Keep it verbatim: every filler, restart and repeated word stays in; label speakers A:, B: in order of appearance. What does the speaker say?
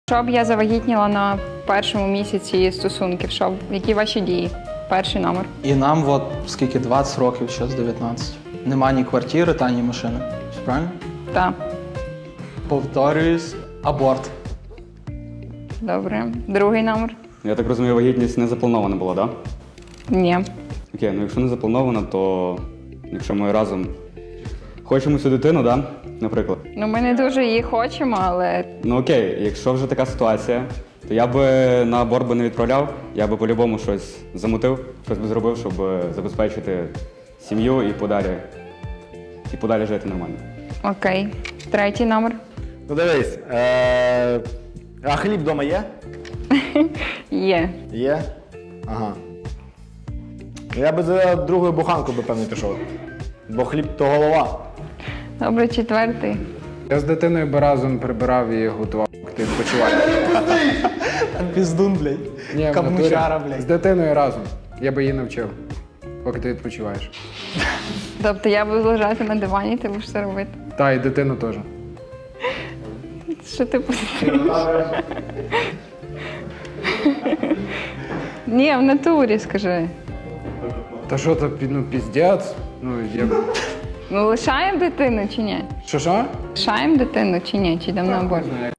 A: Що б я завагітніла на першому місяці стосунків? Що б- які ваші дії? Перший номер.
B: І нам от скільки двадцять років, зараз дев'ятнадцять. Нема ні квартири, та ні машини. Все правильно?
A: Так.
B: Повторююсь, аборт.
A: Добре. Другий номер?
C: Я так розумію, вагітність не запланована була, так? Да?
A: Ні.
C: Окей, ну якщо не запланована, то якщо ми разом хочемо цю дитину, да? Наприклад.
A: Ну, ми не дуже її хочемо, але
C: Ну окей, якщо вже така ситуація, то я би на аборт би не відправляв, я би по-любому щось замутив, щось би зробив, щоб забезпечити сім'ю і подалі, і подалі жити нормально.
A: окей. Третій номер?
D: Ну дивись, е- а хліб вдома є?
A: Є.
D: Є? Ага. Я би за другою буханкою би, певно, пішов. Бо хліб то голова.
A: Добре, четвертий.
E: Я з дитиною би разом прибирав і готував, поки ти відпочиваєш.
B: Піздун, блядь.
E: Ні, в
B: Камучара,
E: натурі. З
B: блядь.
E: дитиною разом. Я би її навчив, поки ти відпочиваєш.
A: Тобто я буду лежати на дивані, ти будеш це робити.
E: Та, і дитину теж.
A: Що ти посидиш? Ні, в натурі, скажи.
E: Та що то, пі- ну, піздець? Ну, я...
A: Ну, лишаємо дитину чи ні?
E: Що, що?
A: Лишаємо дитину чи ні? Чи йдемо на аборт?
E: Не знаю,